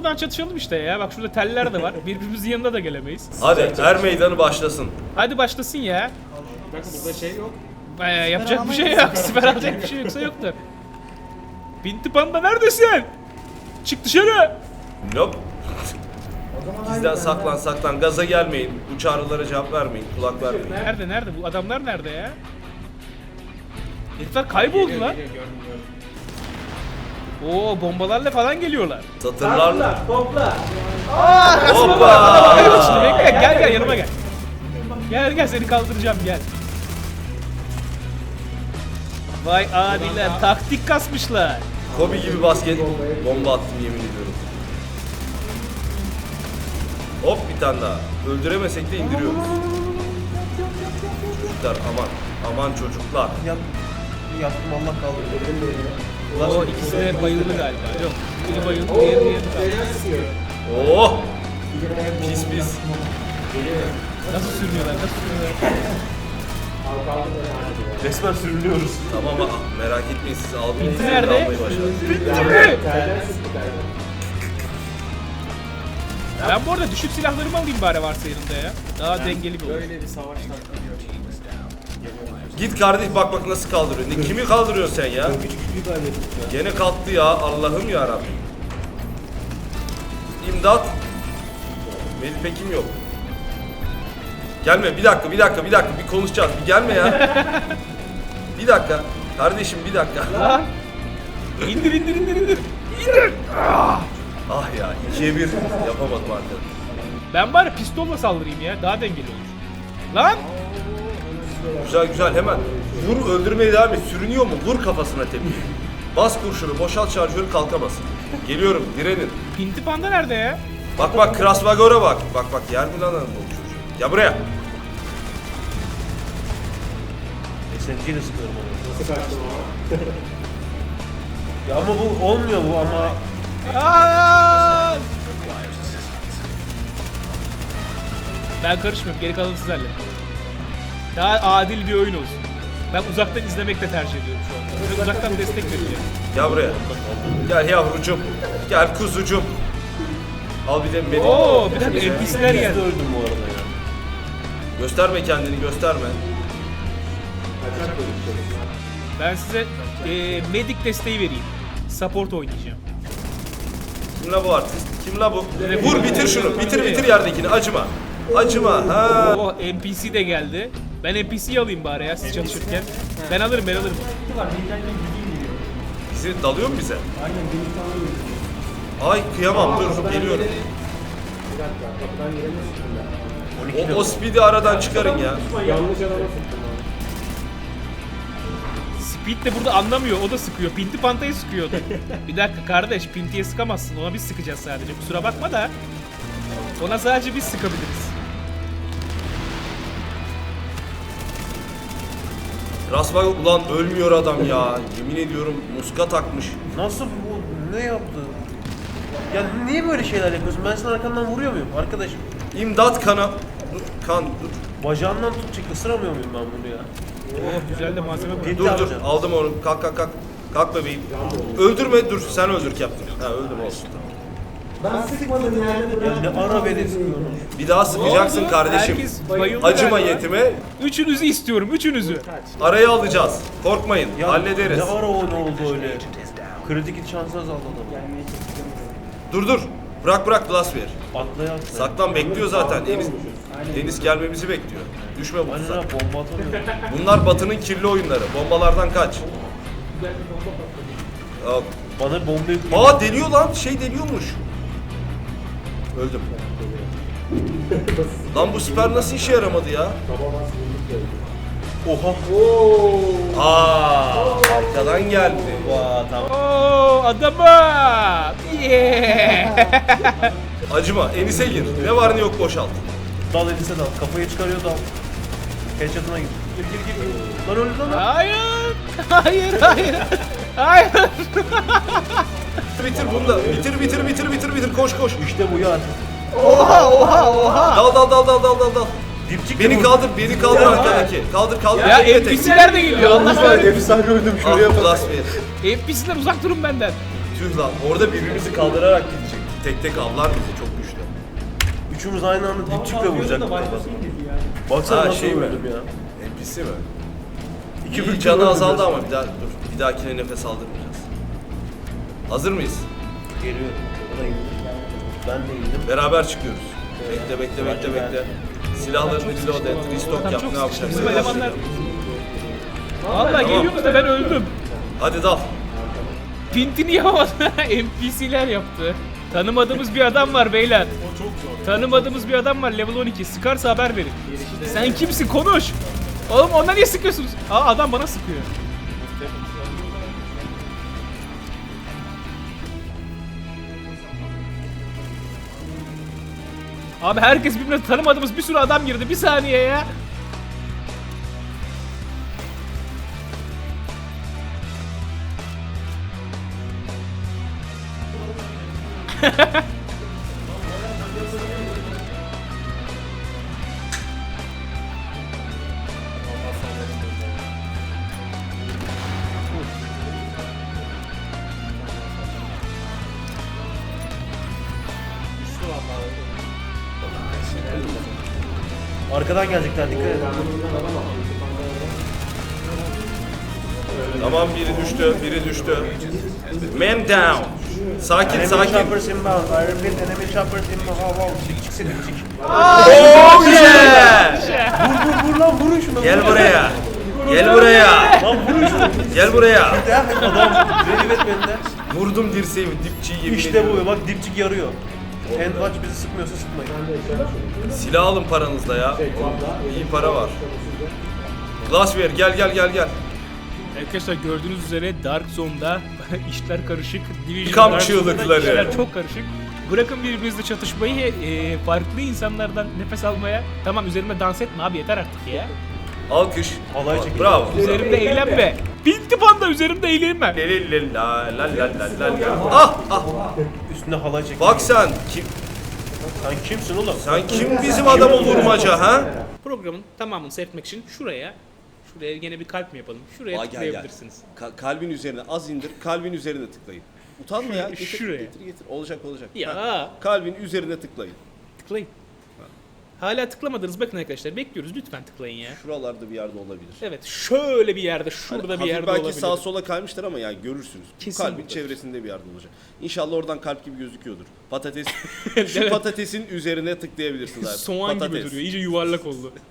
buradan çatışalım işte ya. Bak şurada teller de var. Birbirimizin yanına da gelemeyiz. Hadi er meydanı başlasın. Hadi başlasın ya. Bak burada şey yok. Yapacak bir şey yok. Siper alacak bir şey yoksa yoktur. Pinti Panda neredesin? Çık dışarı. Nope. Bizden saklan. Gaza gelmeyin. Bu çağrılara cevap vermeyin. Kulak vermeyin. Nerede? Bu adamlar nerede ya? Herifler kayboldu lan. Oo, bombalarla falan geliyorlar. Satırlarla. Topla. Hoppa! Bekle, gel yanıma gel. Gel seni kaldıracağım gel. Vay adiler, taktik kasmışlar. Kobe gibi basket bomba attım yemin ediyorum. Hop bir tane daha. Öldüremesek de indiriyoruz. Çocuklar aman çocuklar. Yaptım Allah kaldırdı. O ikisi de bayıldı galiba. Yok, biri bayıldı, diğeri kaldı. Oh! Pis. Nasıl sürünüyorlar? Resmen sürünüyoruz. Tamam merak etmeyin siz aldınız. Bitti nerede? Almayı başardınız. Ben bu arada düşük silahlarımı alayım bari varsa yanımda ya. Daha dengeli bir olur. Böyle bir savaştan kalıyor. Git kardeş bak nasıl kaldırıyor. Kimi kaldırıyorsun sen ya? Gene kalktı ya Allah'ım ya Rabbim. İmdat. Melih Pekim yok. Gelme bir dakika bir konuşacağız. Bir gelme ya. Bir dakika. Kardeşim bir dakika. Lan! İndir. İndir! Ah ya 2'ye 1 yapamadım arkadaşlar. Ben bari pistolla saldırayım ya. Daha dengeli olur. Lan! Güzel hemen. Vur öldürmeye devam et. Sürünüyor mu? Vur kafasına tepiyi. Bas kurşunu, boşalt şarjörü kalkamasın. Geliyorum, direnin. Pinti Panda nerede ya? Bak Krasvagor'a bak. Bak yer mi lan bu çocuğu? Gel buraya. SMG'yle sıkıyorum onu. Nasıl kaçtın o? Ya ama bu olmuyor bu ama. Aa! Ben karışmıyorum. Geri kalanı siz halledin. Daha adil bir oyun olsun. Ben uzaktan izlemek de tercih ediyorum şu anda. Böyle uzaktan destek vereceğim. Gel buraya. Gel yavrucum. Gel kuzucum. Al bir de beni. Oo, bir dakika NPC'ler Ben geldi. de öldüm bu arada ya. Gösterme kendini, gösterme. Ben size medic desteği vereyim. Support oynayacağım. Kim la bu artist? Kim la bu? Vur bitir şunu. Bitir yerdekini. Acıma. Ha. Oh, NPC de geldi. Ben NPC'yi alayım bari ya siz çalışırken. Ben alırım. Bizi dalıyor mu bize? Aynen bir tane Ay kıyamam dur geliyorum. Bir dakika kapıdan giremiyorsun ben. O speed'i aradan çıkarın ya. Yanlış adama sıktım abi. Speed de burada anlamıyor. O da sıkıyor. Pinti Panta'yı sıkıyordu. Bir dakika kardeş. Pinti'ye sıkamazsın. Ona biz sıkacağız sadece. Kusura bakma da. Ona sadece biz sıkabiliriz. Krasvagor ulan ölmüyor adam ya. Yemin ediyorum muska takmış. Nasıl bu? Ne yaptı? Ya niye böyle şeyler yapıyorsun? Ben senin arkandan vuruyor muyum arkadaşım? İmdat kana. Dur kan dur. Bacağından tutacak ısıramıyor muyum ben bunu ya? Oh, güzel de malzeme bu. Dur aldım onu. Kalk. Kalk bebeğim. Öldürme dur sen öldür Captain. Ha öldüm olsun. Ben sıkmadım yani. Ya ne ara beni sıkıyorsun? Bir daha sıkacaksın oldu? kardeşim. Herkes bayıldı Acıma galiba. yetime. Üçünüzü istiyorum. Üçünüzü. Araya alacağız. Korkmayın. Ya Hallederiz. ne ara o ne oldu öyle? Kritik şansı azaldı adamı. Dur. Bırak blast ver. Atlaya. Saklan bekliyor zaten. Deniz gelmemizi bekliyor. Düşme bu Aynen tuzak. ha bomba atamıyor. Bunlar Batı'nın kirli oyunları. Bombalardan kaç. Yok. Bana bomba yüklüyor. Aa deliyor lan. Şey deliyormuş. Öldüm. Lan bu siper nasıl işe yaramadı ya? Oha. Aa arkadan geldi. Vaa tamam. Oo, adama. Yeah. Acıma. Enis'e gir. Ne var ne yok boşalt. Dal elise dal. Kafayı çıkarıyor dal. Headshot'ına gir. Gir. Lan öldü lan. Hayır. Bitir bunu da. Bitir. Koş. İşte bu ya. Dal. Dipçik Beni kaldır arkadaki. Kaldır. Ya Tekme tek. NPC'ler de geliyor. Allah kahretsin. Efsane öldüm Ah blast ver. NPC'ler uzak durun benden. Tüh lan orada birbirimizi kaldırarak gidecek. tek tek avlar bizi çok güçlü. Üçümüz aynı anda dipçikle vuracaktık. da başlasın dedi yani. Baksana Ha, nasıl şey mi? öldüm ya. NPC mi? İki İyi, büklüm canı öldüm azaldı ya. ama bir dahakine nefes aldırmayacağız. Hazır mıyız? Geliyor. O da indi. Ben de indim. Beraber çıkıyoruz. Bekle. Silahlarını reload et, restock Adam yap, çok ne sıkıştı. yapacaksın? Bizim elemanlar... Valla geliyoruz da ben öldüm. Hadi dal. Pintini yapamadı. NPC'ler yaptı. Tanımadığımız bir adam var beyler. O çok zor. Tanımadığımız bir adam var level 12. Sıkarsa haber verin. Sen kimsin? Konuş. Oğlum ona niye sıkıyorsunuz? Aa adam bana sıkıyor. Abi herkes birbirine tanımadığımız bir sürü adam girdi. Bir saniye ya. Arkadan gelecekler, dikkat edin. Tamam, biri düştü. Man down. Sakin. Enemy choppers inbound. I repeat, enemy choppers inbound. Çık seni, çık. Oh yeah! Vur lan, vurun şunu. Gel buraya. Lan vurun şunu. Gel buraya. Adam ready etmediler. Vurdum dirseğimi, dipçiyi yemin İşte ediyorum. bu, bak dipçik yarıyor. Handwatch bizi sıkmıyorsa sıkmayın. Silah alın paranızla ya. İyi para var. Glassware gel. Arkadaşlar gördüğünüz üzere Dark Zone'da işler karışık. Division Kamp Dark Zone'da çığlıkları. işler çok karışık. Bırakın birbirinizle çatışmayı, farklı insanlardan nefes almaya. Tamam üzerimde dans etme abi yeter artık ya. Alkış. Halay çekin. Bravo. Üzerimde eğlenme. Pinti panda üzerimde eğlenme. Ah. Üstüne halay çekin. Bak sen Sen kimsin oğlum? sen kim bizim adamı vurmaca ha? Programın tamamını seyretmek için şuraya gene bir kalp mi yapalım? Şuraya Aa, gel. tıklayabilirsiniz. Kalbin üzerine az indir, kalbin üzerine tıklayın. Utanma ya. Getir, Şuraya. Getir. Olacak. Ya. Ha, kalbin üzerine tıklayın. Tıklayın. Hala tıklamadınız bakın arkadaşlar bekliyoruz lütfen tıklayın ya. Şuralarda bir yerde olabilir. Evet şöyle bir yerde şurada Hani bir yerde belki olabilir. sağa sola kaymıştır ama yani görürsünüz. Kesin Kalbin buradadır. çevresinde bir yerde olacak. İnşallah oradan kalp gibi gözüküyordur. Patates. Şu Evet. patatesin üzerine tıklayabilirsiniz abi. Soğan gibi Patates. duruyor iyice yuvarlak oldu.